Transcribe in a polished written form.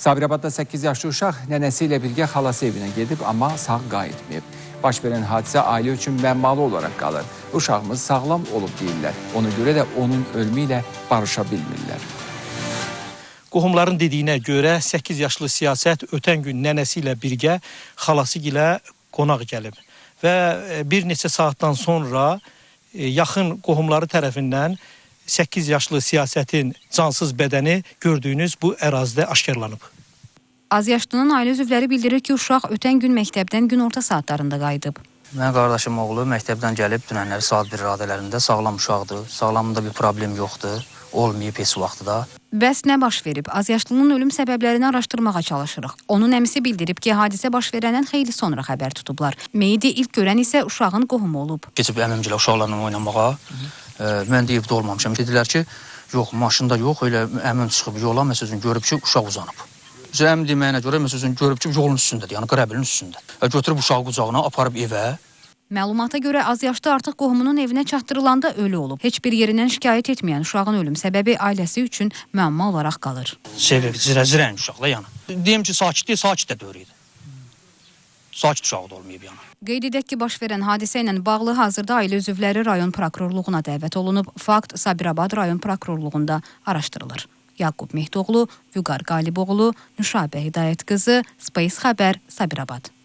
Sabirabadda 8 yaşlı uşaq nənəsi ilə birgə xalası evinə gedib, amma sağ qayıtmayıb. Baş verən hadisə ailə üçün məmmalı olaraq qalır. Uşağımız sağlam olub deyirlər. Ona görə də onun ölümü ilə barışa bilmirlər. Qohumların dediyinə görə 8 yaşlı Siyasət ötən gün nənəsi ilə birgə xalası ilə qonaq gəlib. Və bir neçə saatdan sonra yaxın qohumları tərəfindən 8 yaşlı Siyasətin cansız bədəni gördüyünüz bu ərazidə aşkarlanıb. Azyaşlının ailə üzvləri bildirir ki, uşaq ötən gün məktəbdən günorta saatlarında qayıdıb. Mənim qardaşım oğlu məktəbdən gəlib dünənləri saat 1 radələrində sağlam uşaqdır. Sağlamında bir problem yoxdur. Olmayıb heç vaxtda. Bəs nə baş verib? Azyaşlının ölüm səbəblərini araşdırmağa çalışırıq. Onun əmisi bildirib ki, hadisə baş verəndən xeyli sonra xəbər tutublar. Meyidi ilk görən isə uşağın qohumu olub. Keçib əmimcilə uşaqlarla oynamağa. Mən də evdə olmamışam. Dedilər ki, yox, maşında yox, elə əmim çıxıb yola, məsələn, görüb ki, uşaq uzanıb. Əmim deməyinə görə, məsələn, görüb ki, yolun üstündədir, yəni qərəbilin üstündə. Götürüb uşağı qucağına, aparıb evə. Məlumata görə azyaşlı artıq qohumunun evinə çatdırılanda ölü olub. Heç bir yerindən şikayət etməyən uşağın ölüm səbəbi ailəsi üçün müəmma olaraq qalır. Zirən uşaqla yəni. Deyim ki, sakit deyil, sakit də dörüydü. Sakit uşağı da olmayıb yəni. Qeyd edək ki, baş verən hadisə ilə bağlı hazırda ailə üzvləri rayon prokurorluğuna dəvət olunub. Fakt Sabirabad rayon prokurorluğunda araşdırılır. Yaqub Mehdoğlu, Vüqar Qaliboğlu, Nüşabə Hidayət qızı, Space Xəbər, Sabirabad.